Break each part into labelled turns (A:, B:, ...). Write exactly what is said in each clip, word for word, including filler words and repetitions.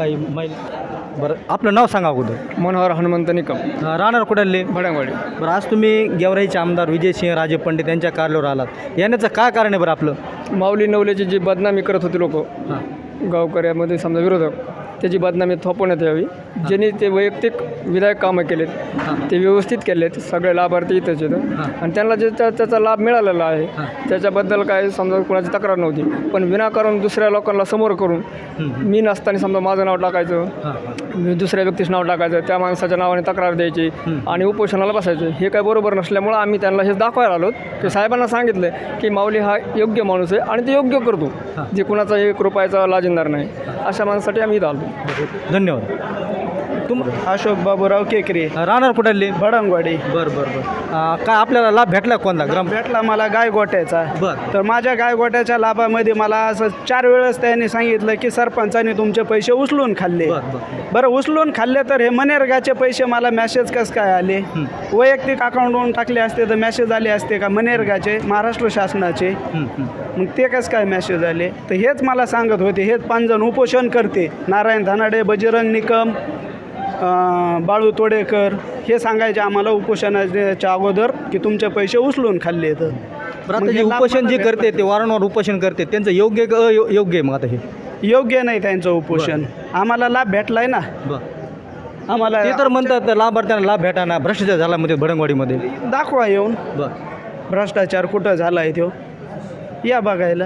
A: काही महिला. बरं, आपलं नाव सांगा अगोदर.
B: मनोहर हनुमंत निकम,
A: अं, राहणार कुठले?
B: भडंगवाडी.
A: बरं, आज तुम्ही गेवराईचे आमदार विजयसिंह राजे पंडित यांच्या कार्यालयावर आलात, येण्याचं काय कारण आहे बरं आपलं?
B: माऊली नवलेची जी बदनामी करत होती लोक
A: हां
B: गावकऱ्यामध्ये समजा विरोधक, त्याची बदनामी थोपवण्यात यावी. ज्यांनी ते वैयक्तिक विधायक कामं केलेत ते व्यवस्थित केलेत, सगळे लाभार्थी इथेच आहेत आणि त्यांना जे त्या- त्याचा लाभ मिळालेला आहे त्याच्याबद्दल काय समजा कोणाची तक्रार नव्हती. पण विनाकारण दुसऱ्या लोकांना समोर करून मी नसताना समजा माझं नाव टाकायचं, मी दुसऱ्या व्यक्तीचं नाव टाकायचं, त्या माणसाच्या नावाने तक्रार द्यायची आणि उपोषणाला बसायचं, हे काय बरोबर नसल्यामुळं आम्ही त्यांना हे दाखवायला आलो की साहेबांना सांगितलं की माऊली हा योग्य माणूस आहे आणि ते योग्य करतो, जे कुणाचा एक रुपयाचा लाजिंदार नाही. अशा माणसासाठी आम्ही इथं आलो.
A: धन्यवाद. तुम
C: अशोक बाबूराव केकरे,
A: राहणार कुठले?
C: भडंगवाडी.
A: बरं बरं बरं. काय आपल्याला लाभ भेटला कोणता? ग्राम
C: भेटला मला गायगोट्याचा.
A: बरं.
C: तर माझ्या गायगोट्याच्या लाभामध्ये मला असं चार वेळेस त्यांनी सांगितलं की सरपंचाने तुमचे पैसे उचलून खाल्ले.
A: बरं बरं
C: बरं, उचलून खाल्ले तर हे मनरेगाचे पैसे मला मॅसेज कसं काय आले? वैयक्तिक अकाउंटवरून टाकले असते तर मॅसेज आले असते का मनरेगाचे, महाराष्ट्र शासनाचे?
A: हं, हं.
C: मग ते कसं काय मॅसेज आले? तर हेच मला सांगत होते. हेच पाच जण उपोषण करते, नारायण धानाडे, बजरंग निकम, अं, बाळू तोडेकर, हे सांगायचे आम्हाला उपोषणाच्या अगोदर की तुमचे पैसे उचलून खाल्ले. तर
A: बरं, आता जे उपोषण जे करते ते वारंवार उपोषण करते त्यांचं योग्य का अयोग्य आहे? मग आता हे
C: योग्य नाही त्यांचं उपोषण. आम्हाला लाभ भेटलाय ना.
A: बरं,
C: आम्हाला
A: ते तर म्हणतात लाभार्थ्यांना लाभ भेटाना, भ्रष्टाचार झाला मध्ये भडंगवाडीमध्ये.
C: दाखवा येऊन
A: बरं,
C: भ्रष्टाचार कुठं झाला आहे तो, या बघायला.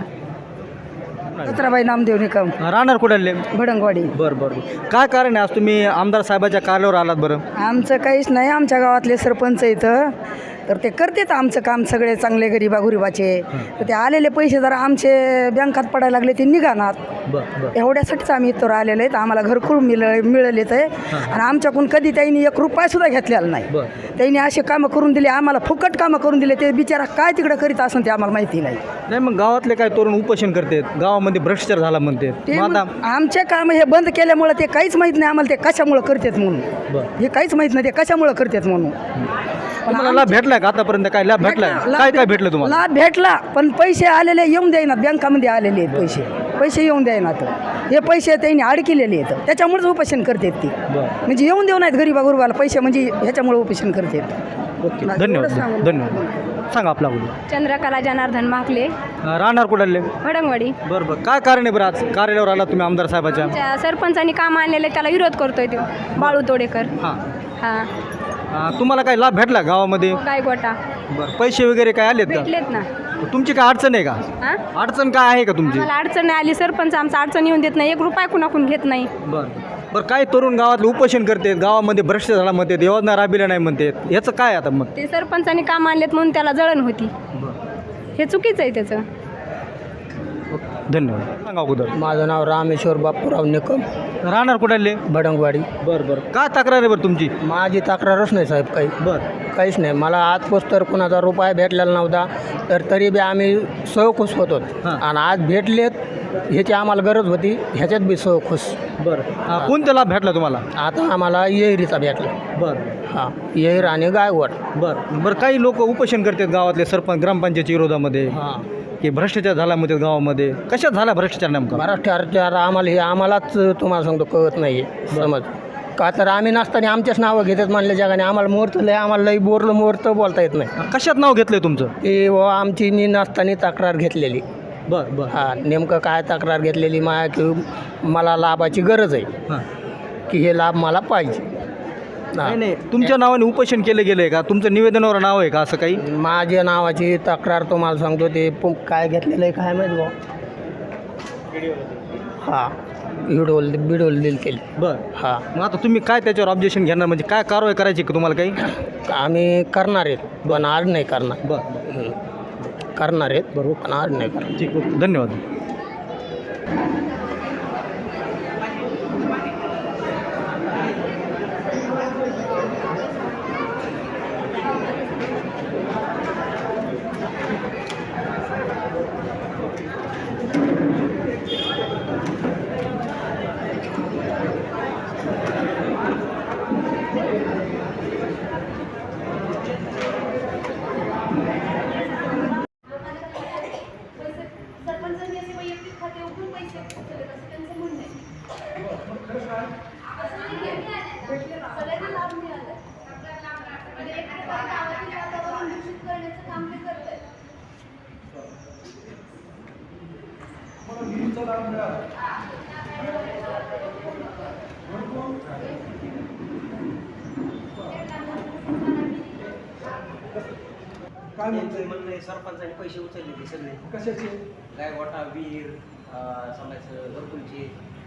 D: सत्राबाई नामदेव निकम,
A: राहणार कुठले?
D: भडंगवाडी.
A: बरं बरं. काय कारण आहे आज तुम्ही आमदार साहेबाच्या कार्यालयावर आलात? बरं,
D: आमचं काहीच नाही, आमच्या गावातले सरपंच इथं तर ते करतेच आमचं काम, सगळे चांगले गरीबा गुरिबाचे. तर ते आलेले पैसे जरा आमचे बँकात पडायला लागले ते निघाणार,
A: बरं बरं
D: एवढ्यासाठीच आम्ही इथं आलेले आहेत. आम्हाला घरकुल मिळ मिळालेत आहे आणि आमच्याकडून कधी त्यांनी एक रुपयासुद्धा घेतलेला नाही.
A: बरं.
D: त्यांनी असे कामं करून दिले आम्हाला, फुकट कामं करून दिले. ते बिचारा काय तिकडं करीत असून ते आम्हाला माहिती नाही.
A: नाही, मग गावातले काय तरुण उपोषण करतात, गावामध्ये भ्रष्टाचार झाला म्हणते.
D: ते
A: मग आता
D: मग आमचे काम हे बंद केल्यामुळं ते काहीच माहीत नाही आम्हाला, ते कशामुळं करतात म्हणून.
A: बरं.
D: हे काहीच माहीत नाही ते कशामुळं करतात म्हणून.
A: तुम्हाला लाभ भेटलाय का आतापर्यंत? काय लाभ भेटलाय?
D: भेटला,
A: काय
D: लाभ
A: काय भेटलं तुम्हाला?
D: लाभ भेटला, पण पैसे आलेले येऊन द्यायनात, बँकामध्ये आलेले आहेत पैसे, पैसे येऊन द्यायनात. हे पैसे त्यांनी अडकिलेले आहेत, त्याच्यामुळेच उपोषण करतात ती.
A: बरं,
D: म्हणजे येऊन देऊ नाहीत गरीबा गुरुबाला पैसे, म्हणजे ह्याच्यामुळे उपोषण करतात.
A: ओके. धन्यवाद. धन्यवाद. सांगा आपला अगोदर.
E: चंद्रकला जनार्दन माकले,
A: राहणार कुठले?
E: भडंगवाडी.
A: बरं बरं. काय कारण आहे बरं आज कार्यालयावर आला तुम्ही आमदार साहेबाच्या?
E: त्या सरपंचांनी काम आणलेले त्याला विरोध करतोय तो बाळू तोडेकर.
A: हां
E: हां,
A: हां. तुम्हाला काय लाभ भेटला गावामध्ये?
E: गायगोटा
A: बरं, पैसे वगैरे काय आलेत का?
E: भेटलेत ना.
A: तुमची काय अडचण आहे का?
E: हां,
A: अडचण काय आहे का तुमची?
E: मला अडचण नाही आली, सरपंच आमचा अडचण येऊन देत नाही, एक रुपया कुणाकून घेत नाही.
A: बरं बरं. काही तरुण गावातले उपोषण करतात, गावामध्ये भ्रष्टाचार झाला म्हणतात, योजना राबविल्या नाही म्हणतात, याचं काय आता मग?
E: ते सरपंचांनी काम आणलेत म्हणून त्याला जळण होती, हे चुकीचं आहे त्याचं.
A: धन्यवाद. सांगा अगोदर.
B: माझं नाव रामेश्वर बापूराव निकम,
A: राहणार कुठले?
B: भडंगवाडी.
A: बरं बरं. काय तक्रार आहे बरं तुमची?
B: माझी तक्रारच नाही साहेब, काही
A: बरं
B: काहीच नाही. मला आजपास तर कुणाचा रुपया भेटलेला नव्हता, तर तरी बी आम्ही सहखुश होतो.
A: हां.
B: आणि आज भेटलेत ह्याची आम्हाला गरज होती, ह्याच्यात बी सहखुश.
A: बरं. कोणता लाभ भेटला तुम्हाला?
B: आता आम्हाला येहिरीचा भेटला.
A: बरं
B: हां, येहीर आणि गायवड.
A: बरं बरं. काही लोक उपोषण करतात गावातले सरपंच ग्रामपंचायतीच्या विरोधामध्ये
B: हां,
A: की भ्रष्टाचार झाला म्हणतात गावामध्ये. कशात झाला भ्रष्टाचार नेमका?
B: भ्रष्टाचार आम्हाला हे आम्हालाच तुम्हाला सांगतो कळत नाही आहे समज. का तर आम्ही नसताना आमच्याच नावं घेतात म्हणल्या जगाने. आम्हाला मुहूर्त लय, आम्हाला लई बोरलं मुहूर्त बोलता येत नाही.
A: कशात नाव घेतलंय तुमचं?
B: ते व आमची नी नसताना तक्रार घेतलेली.
A: बरं बरं.
B: हां, नेमकं काय तक्रार घेतलेली माया की मला लाभाची गरज आहे,
A: हां.
B: की हे लाभ मला पाहिजे.
A: नाही नाही, तुमच्या नावाने उपोषण केलं गेलंय का? तुमचं निवेदनावर नाव आहे का असं काही?
B: माझ्या नावाची तक्रार तुम्हाला सांगतो, ते पु- काय घेतलेलं आहे काय माहीत भाऊ. हां, बिडोल बिडोल दिल केली.
A: बरं.
B: हां,
A: मग आता तुम्ही काय त्याच्यावर ऑब्जेक्शन घेणार? म्हणजे काय कारवाई करायची का तुम्हाला काही?
B: आम्ही करणार आहेत, पण आज नाही करणार.
A: बरं
B: हं. करणार आहेत बरोबर, पण आज नाही करणार.
A: ठीक आहे. धन्यवाद.
F: सरपंचांनी असे वैयक्तिक खाते उघडून पैसे गावातील वातावरण दूषित करण्याचं काम ते करतंय.
G: मला विहिरीचा लाभ मिळाला. काय म्हणते
H: म्हणणे सरपंचाने पैसे उचलले ते सगळे
G: कशाचे?
H: गायगोटा विहीर समजायचं घरकुलचे.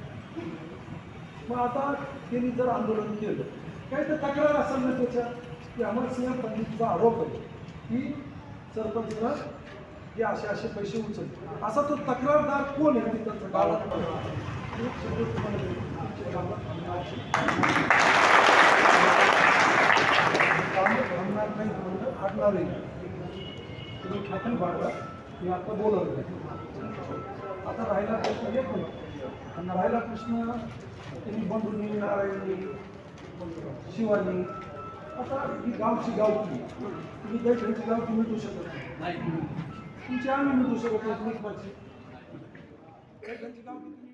G: मग आता त्यांनी जर आंदोलन केलं काय तर तक्रार असेल ना त्याच्या की अमरसिंह पंडितचा आरोप आहे की सरपंचनं हे असे असे पैसे उचलले. असा तो तक्रारदार कोण आहे तिथं गावात? थांबणार नाही म्हणलं हटणारही नाही. तुम्ही ठाकून पाडला मी आता बोलवलं. आता राहिला प्रश्न एक नाही, राहिला प्रश्न त्यांनी बंधुनी नारायणी शिवानी. आता ही गावची गावकी तुम्ही काही घरची गावकी मिटू शकत नाही, तुमची आम्ही मिटू शकत नाही. काही घरची गावकी